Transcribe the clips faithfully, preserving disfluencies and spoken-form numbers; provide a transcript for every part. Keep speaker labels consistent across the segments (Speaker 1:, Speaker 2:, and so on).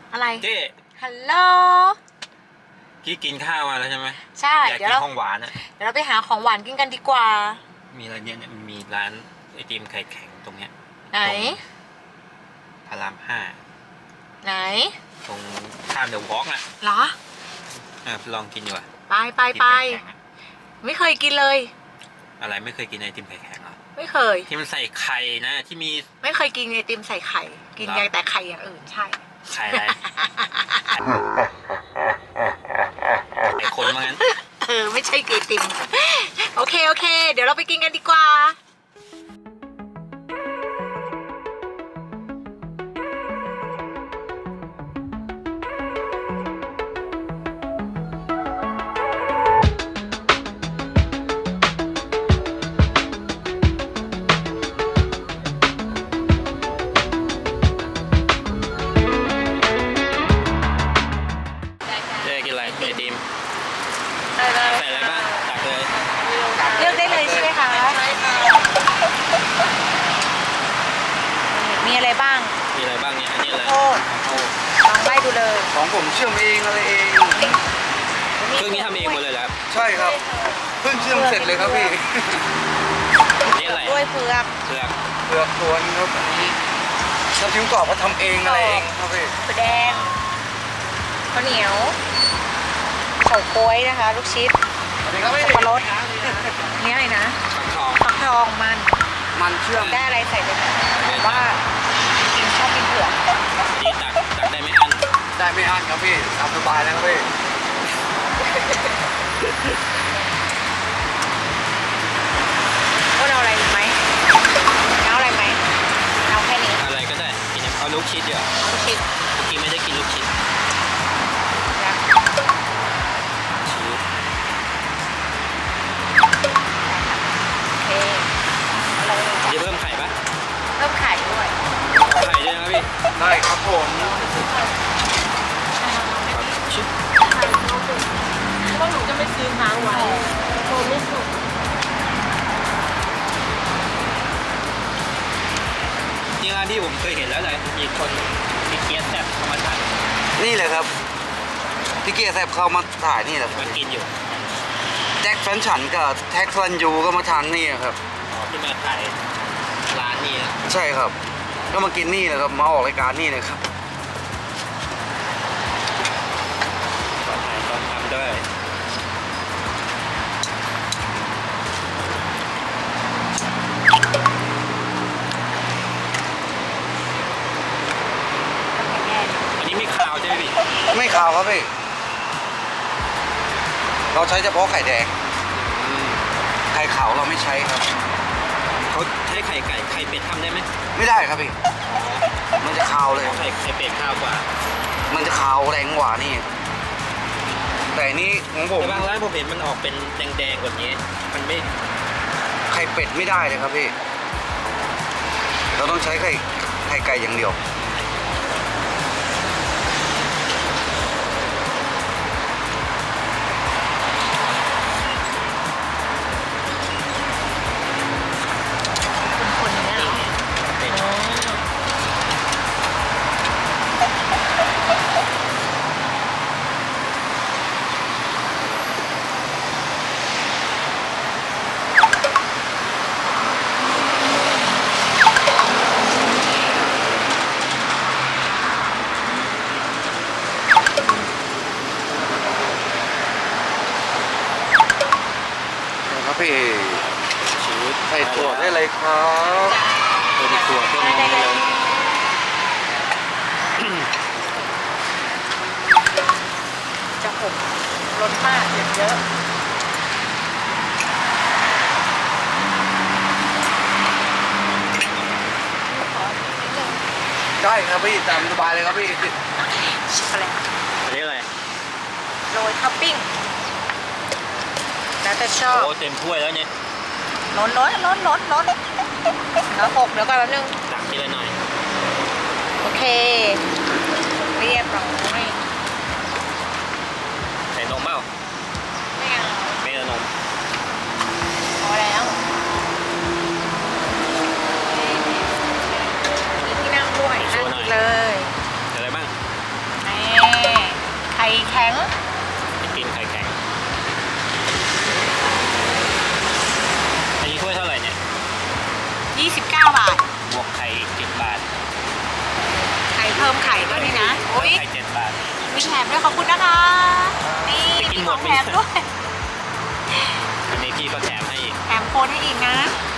Speaker 1: อะไร
Speaker 2: เจ๊
Speaker 1: ฮัลโหล
Speaker 2: พี่กินข้าวมาแล้วใช่ไหม
Speaker 1: ใช่
Speaker 2: อยาก
Speaker 1: เดี๋ย
Speaker 2: กิ
Speaker 1: วนเรา
Speaker 2: ของหวานอะ
Speaker 1: เดี๋ยวเราไปหาของหวานกินกันดีกว่า
Speaker 2: มีอะไรเนี่ยมีร้านไอติมไข่แข็งตรงเนี้ย
Speaker 1: ไหน
Speaker 2: พารามห้า
Speaker 1: ไหน
Speaker 2: ตรงข้ามเดอะวอล์กอ่ะ
Speaker 1: เหรอ
Speaker 2: อ่ะลองกินดีกว่า
Speaker 1: ไปไปไปไม่เคยกินเลย
Speaker 2: อะไรไม่เคยกินไอติมไข่แข็งเหรอ
Speaker 1: ไม่เคย
Speaker 2: ที่มันใส่ไข่นะที่มี
Speaker 1: ไม่เคยกินไอติมใส่ไข่กินยังแต่ไข่อย่างอื่นใช่
Speaker 2: ไข่อะไรไข่คนว่างั้น
Speaker 1: เออไม่ใช่ไอติมโอเคโอเคเดี๋ยวเราไปกินกันดีกว่า
Speaker 2: ใส่อะไรบ้างตักเลย
Speaker 1: เลือกได้เลยใช่ไหมคะมีอะไรบ้าง
Speaker 2: มีอะไรบ้างเนี่ยอันนี้อะไร
Speaker 1: โอ้ลองใบดูเลย
Speaker 3: ของผมเชื่อมเองอะไรเอง
Speaker 2: เครื่องนี้ทำเองหมดเลยครับ
Speaker 3: ใช่ครับเพิ่งเชื่อมเสร็จเลยครับพี่
Speaker 2: นี่อะไร
Speaker 1: ด้วยเผือก
Speaker 2: เผือก
Speaker 3: เผือกทวนครับอันนี้น้ำจิ้มกรอบก็ทำเองอะไรเองครับพี่
Speaker 1: ถั่วแดงข้าวเหนียวเฉาก๊วยนะคะลูกชิดสับปะรดนี่อะไรนะ
Speaker 2: ฟักทอง
Speaker 1: ฟักทองมัน
Speaker 3: มันเชื่อม
Speaker 1: ได้อะไรใส่ไปไหมว่ากินชอบกินเผือก
Speaker 2: นี่ตักตักได้ไม่อัน
Speaker 3: ได้ไม่อั้นครับพี่ตามสบายแล้วครับพี่
Speaker 1: ก็เอาอะไรไหมเอาอะไรไหมเอาแค่นี้
Speaker 2: อะไรก็ได้กินเอาลูกชิดเยอะ
Speaker 1: ลูกชิด
Speaker 2: เมื่อกี้ไม่ได้กินลูกชิดจะเพิ่มไข่ปะ
Speaker 1: เพิ่มไข่ด้วย
Speaker 2: ไข่ด้วยนะพี่
Speaker 3: ได้ครับผม
Speaker 2: ชิบ
Speaker 1: เพราะหนูจะไม่ซื้อค้างไว้โทรไม่ถูก
Speaker 2: นี่ร้านที่ผมเคยเห็นแล้วเลยมีคนมีเกี๊ยแซ่บเข้ามาถ่าย
Speaker 3: นี่เลยครับพี่เกียร์แซ่บเข้ามาถ่ายนี่แหละ
Speaker 2: มากินอยู่
Speaker 3: แจ็คแฟนฉันกับแท็กซันยูก็มาทานนี่ครับ
Speaker 2: ที่มาถ่ายร้านนี้
Speaker 3: ใช่ครับก็มากินนี่นะครับมาออกรายการนี่เลยครับ
Speaker 2: ตอนถ่ายตอนทำด้วยอันนี้ไม่ขาวใช่ไหมพี่
Speaker 3: ไม่ขาวครับพี่เราใช้เฉพาะไข่แดงไข่ขาวเราไม่ใช้ครับ
Speaker 2: เขาใช้ไข่ไก่ไข่เป็ดทำได้ไหม
Speaker 3: ไม่ได้ครับพี่มันจะขาวเลย
Speaker 2: ไข่ไข่เป็ดขาวกว่า
Speaker 3: มันจะขาวแรงกว่านี่แต่นี่ของผม
Speaker 2: บางร้านผมเห็นมันออกเป็นแดงๆกว่านี้มันไม่
Speaker 3: ไข่เป็ดไม่ได้เลยครับพี่เราต้องใช้ไข่ไข่ไก่อย่างเดียวพี่
Speaker 2: ชีวิต
Speaker 3: ใส่ถั่วได้เลยครับ
Speaker 2: เป็นถั่วเพิ่มได้เลย
Speaker 1: จะหกรสมากเยอะ
Speaker 3: ได้ครับพี่ตามสบายเลยครับพี่
Speaker 1: ช็อกโกแลต
Speaker 2: อันนี้อะไร
Speaker 1: โรยท็อปปิ้งแล้วแต่ชอบ
Speaker 2: โอ้เต็มถ้วยแล้วเนี่ย
Speaker 1: ล้นล้นล้นล้นล้นแล้วหกเดี๋ยวก่อนแป๊บนึง
Speaker 2: ตักทีละหน่อย
Speaker 1: โอเคเรียบร้อย
Speaker 2: ใส่นมเปล่า
Speaker 1: ไม่เอา
Speaker 2: ไม่เอานม
Speaker 1: พอแล้วมีที่นั่งด้วยนั่งเลย
Speaker 2: อะไรบ้าง
Speaker 1: อมไข่ด้วยนี่นะโอ้ย
Speaker 2: ไข่เจ็ดบาท
Speaker 1: มีแถมด้วยขอบคุณนะคะ นี่
Speaker 2: จะกิ
Speaker 1: มี
Speaker 2: น
Speaker 1: ข
Speaker 2: หม
Speaker 1: อ
Speaker 2: ด
Speaker 1: ง
Speaker 2: ไหม
Speaker 1: แถมด้วย
Speaker 2: อันนี้พี่ก็แถมให้อีก
Speaker 1: แถมโคนให้อีกนะ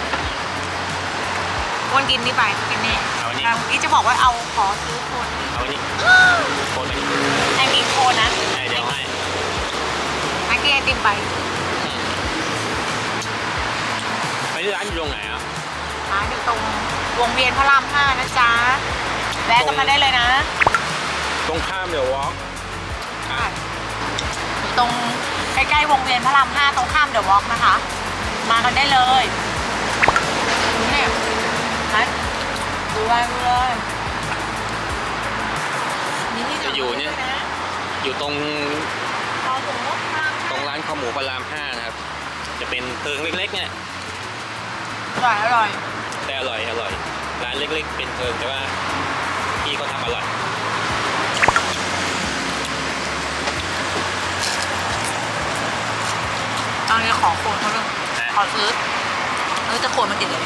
Speaker 1: อ้วนกินนี่ไปกินนี่
Speaker 2: เอาอันนี้
Speaker 1: แล้วนี่จะบอกว่าเอาขอซื้อโคน
Speaker 2: เอาอันนี้โคนไปดิ
Speaker 1: ไอมีโคนนะ
Speaker 2: ไอ้เดี๋ยวให้
Speaker 1: ไอกี้ไอติมไป
Speaker 2: ไปที่ร้านอยู่ตรงไหนอ่ะ
Speaker 1: ร้านอยู่ตรงวงเวียนพระรามห้านะจ๊ะแวะกันมาได้เลยนะ
Speaker 2: ตรงข้ามเดี๋ยววอล์ก
Speaker 1: ตรงใกล้ๆวงเวียนพระรามห้าตรงข้ามเดอะวอล์กนะคะ มากันได้เลยนี่นะดูไว้ดูเลยนี่นี่
Speaker 2: จะอยู่เนี่ย
Speaker 1: นะ
Speaker 2: อยู่ตรง
Speaker 1: รอถึงพระราม
Speaker 2: ตร
Speaker 1: ห้าง
Speaker 2: ร้านข้าวหมูพระรามห้านะครับ จะเป็นเพิงเล็กๆเนี่ย
Speaker 1: อร่อยอร่อย
Speaker 2: แต่อร่อยอร่อย ร้านเล็กๆ เป็นเพิงแต่ว่าพี่เขาทำอร่อย
Speaker 1: ตอนนี้ขอโคนเขาเลยขอซื้อเออจะโคนมันติดเลย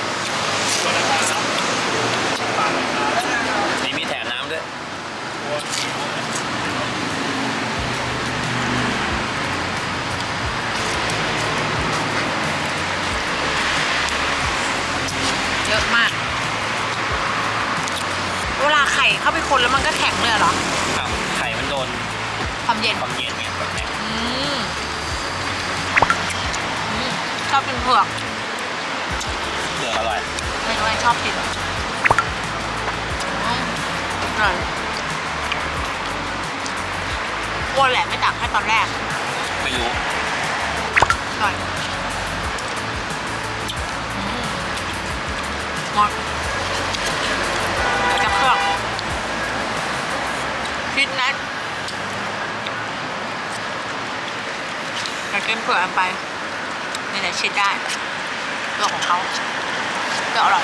Speaker 2: นี่มีแถมน้ำด้วย
Speaker 1: เยอะมาก เวลาไข่เข้าไปคนแล้วมันก็แข็งเลยเหรอ
Speaker 2: อ้าวไข่มันโดน
Speaker 1: ความเย็น
Speaker 2: ความเย็นไงแบบไหน
Speaker 1: อืมอืมชอบกินเผือก
Speaker 2: เผือกอร่อย
Speaker 1: ไม่รู้ไอ้ชอบกินอืมอร่อยอ้วนแหละไม่ตักให้ตอนแรก
Speaker 2: ไม่รู้
Speaker 1: อร่อยอืมหมดจะเครื่องคิดนะอยากกินเผือกอันไปนี่แหละชิดได้เรื่องของเขาก็อร่อย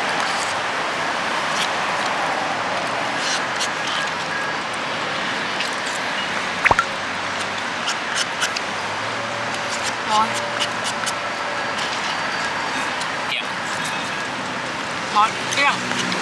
Speaker 1: ร้อน
Speaker 2: เกี่ยง
Speaker 1: ร้อนเกลี้ยง